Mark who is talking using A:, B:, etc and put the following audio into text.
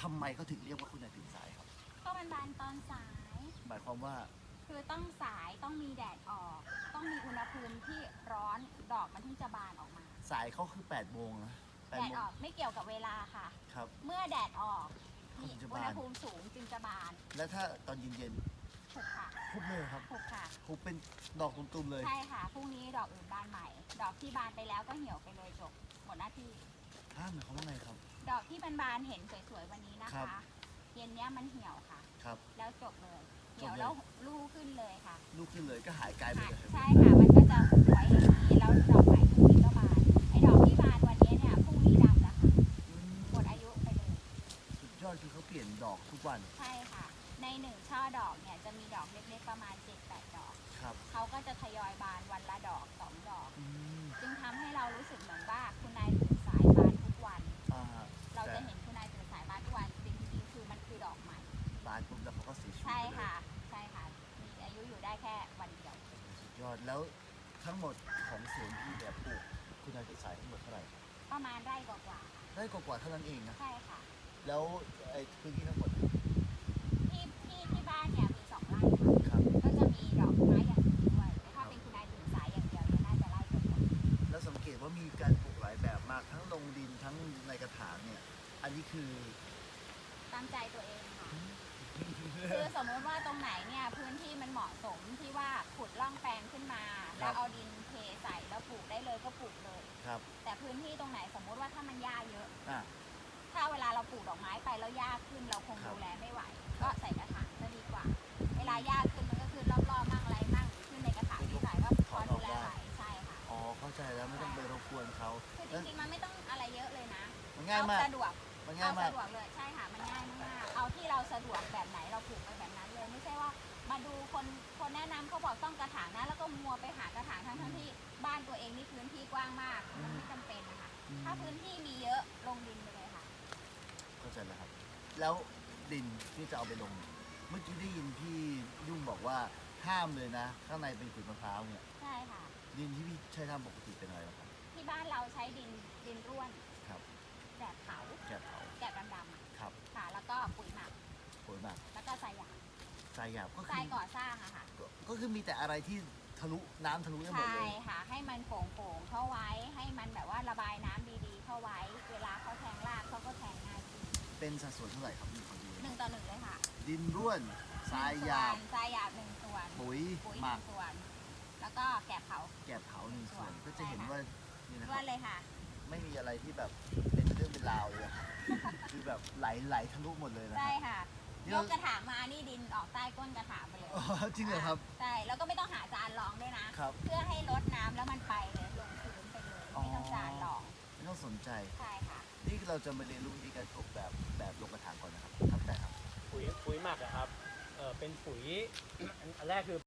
A: ทำไมเขาถึงเรียกว่าคุณนายตื่นสายครับ
B: ก็มันบานตอนสาย
A: หมายความว่า
B: คือต้องสายต้องมีแดดออก ต้องมีอุณหภูมิที่ร้อนดอกมันถึงจะบานออกมา
A: สายเขาคือ8 โมงนะ
B: แดดออกไม่เกี่ยวกับเวลาค่ะ
A: ครับ
B: เมื่อแดดออกมี
A: ถึงจะ
B: อุ
A: บาน
B: ณหภูมิสูงจึงจะบาน
A: แล้วถ้าตอนเย็น
B: ถูกค่ะ
A: ๆพุบเลยครับ
B: ถูกค่ะ
A: พุบเป็นดอกตุ่มๆเลย
B: ใช่ค่ะพรุ่งนี้ดอกอื่นบานใหม่ ดอกที่บานไปแล้วก็เหี่ยวไปเลยจบหมดหน้าที่
A: หมายความว่าไงครับ
B: ดอกที่บานเห็นสวยๆวันนี้นะ
A: ครั
B: คะ
A: บ
B: เย็นเนี้ยมันเหี่ยวค่ะ
A: ครับ
B: แล้วจบเลยเหี่ยว
A: จบเลย
B: แล้วลูกขึ้นเลยค่ะ
A: ลูกขึ้นเลยก็หายกลายไปเลย
B: ใช่ค่ะ มันก็จะไว้อย่างนี้แล้วดอกใหม่พรุ่งนี้ก็บาน ไอ้ดอกที่บานวันนี้เนี่ยพรุ่งนี้ดำแล้วค่ะ
A: อืม
B: หมดอายุไปเลย
A: สุดยอดคือเขาเปลี่ยนดอกทุกวัน
B: ใช่ค่ะ ในหนึ่งช่อดอกเนี่ยจะมีดอกเล็กๆประมาณ 7-8 ดอก
A: ครับ
B: เขาก็จะทยอยบานวันละดอก2 ดอก
A: อืม
B: จึงทำให้เรารู้สึกเหมือนว่าคุณนายตื่นสายบานทุกวัน
A: อ่า
B: เราจะเห็นคุณนายตื่นสายบานทุกวันจริงๆคือมันคือดอกใหม่
A: บานปุ๊บแล้วเขาก็เสียชีวิต
B: ใช่
A: ไปเลย
B: ค่ะ ใช่ค่ะ มีอายุอยู่ได้แค่วันเดียว
A: สุดยอดแล้วทั้งหมดของสวนที่แบบปลูกคุณนายตื่นสายทั้งหมดเท่าไหร่
B: ประมาณไร่กว่า
A: ได้กว่าๆเท่านั้นเองนะ
B: ๆใช่ค่ะ
A: แล้วไอ้พื้นที่ทั้งหมด
B: ที่บ้านเนี่ยมี2 ไร่ค่ะ
A: ครับ
B: ก็จะมีดอกไม้อย่างอื่นด้วยแต่ถ้าเป็นคุณนายตื่นสายอย่างเดียวเนี่ยน่าจะไร่กว่า
A: แล้วสังเกตว่ามีการปลูกหลายแบบมากทั้งลงดินทั้งในกระถางเนี่ย อันนี้คือ
B: ตามใจตัวเองค่ะ คือสมมติว่าตรงไหนเนี่ยพื้นที่มันเหมาะสมที่ว่าขุดร่องแปลงขึ้นมา แล้วเอาดินเทใส่แล้วปลูกได้เลยก็ปลูกเลย
A: ครับ
B: แต่พื้นที่ตรงไหนสมมติว่าถ้ามันหญ้าเยอะ
A: อ่ะ
B: ถ้าเวลาเราปลูกดอกไม้ไปแล้วหญ้าขึ้นเราคง
A: ครับ
B: ดูแลไม่ไหว ก็ใส่กระถางจะดีกว่า เวลาหญ้าขึ้นมันก็ขึ้นรอบๆมั่งอะไรมั่งขึ้นในกระถางที่ใส่ก็พอดูแลไหวใช่ค่ะ
A: อ๋อเข้าใจแล้วไม่ต้องไปรบกวนเขา
B: คือจริงๆมันไม่ต้องอะไรเยอะเลยนะ
A: มันง่ายมาก
B: เอสะดวก
A: มันง่ายมาก
B: สะดวกเลยใช่ค่ะมันง่ายมากๆเอาที่เราสะดวกแบบไหนเราปลูกไปแบบนั้นเลย ไม่ใช่ว่ามาดูคนแนะนำเขาบอกต้องกระถางนะแล้วก็มัวไปหากระถางทั้งที่บ้านตัวเองนี่พื้นที่กว้างมากมันไม่จำเป็นนะคะถ้าพื้นที่มีเยอะลงดินไปเลยค่ะ
A: เข้าใจแล้วครับ แล้วดินที่จะเอาไปลง เมื่อกี้ได้ยินพี่ยุ่งบอกว่าห้ามเลยนะ ข้างในเป็นขุยมะพร้าวเนี่ย
B: ใช่ค่ะ
A: ดินที่พี่ใช้ทำปกติเป็นอะไรล่ะครับ
B: ที่บ้านเราใช้ดินร่วน
A: ครับ
B: แกบเผา
A: แกะเผา
B: แกบดำๆอะ
A: ครับ
B: ค่ะ แล้วก็ปุ๋ยหมัก
A: ปุ๋ยหมัก
B: แล้วก็ทรายหยาบ
A: ทรายหยาบก็
B: ท
A: คื
B: ราย
A: อ
B: ก่อสร้างอะค่ะ
A: ก็คือมีแต่อะไรที่ทะลุน้ำทะลุได้หมด
B: ใช่
A: เลย
B: ค่ะ ให้มันโป่งๆเข้าไว้ ให้มันแบบว่าระบายน้ำดีๆ เข้าไว้ เวลาเขาแทงรากเขาก็แทงง่ายขึ้น
A: เป็นสัดส่วนเท่าไหร่ครับนี่ขอดู
B: 1:1เลยค่ะ
A: ดินร่วนทรายหยาบ
B: ทรายหยาบ1 ส่วน
A: ปุ๋ย
B: ปุ๋ย
A: หมัก
B: 1 ส่วน แล้วก็แกบเผา
A: แกะเผาหนึ่งส่วน ก็จะเห็นว่านี่นะค
B: ร่ว
A: รั
B: น
A: บ
B: เลยค่ะ
A: ไม่มีอะไรที่แบบเป็นเรื่องเป็นราวเลยอะคือแบบไหลทะลุหมดเลยนะค
B: ใช่
A: รับ
B: ค่ะ
A: นี่
B: ย
A: เรา
B: กกระถางมานี่ดินออกใต้ก้นกระถางไปเลย
A: อ๋อจริงเหรอครับ
B: ใช่ แล้วก็ไม่ต้องหาจานรองด้วยนะ
A: ครับ
B: เพื่อให้ลดน้ำแล้วมันไปเลยลงพื้นไปเลย ไม่ต้องจานรอง
A: ไม่ต้องสนใจ
B: ใช่ค่ะ
A: นี่เราจะมาเรียนรู้วิธีการปลูกแบบลงกระถางก่อนนะครับครับแต่ครับ
C: ปุ๋ยหมักอะครับเป็นปุ๋ย อันแรกคือ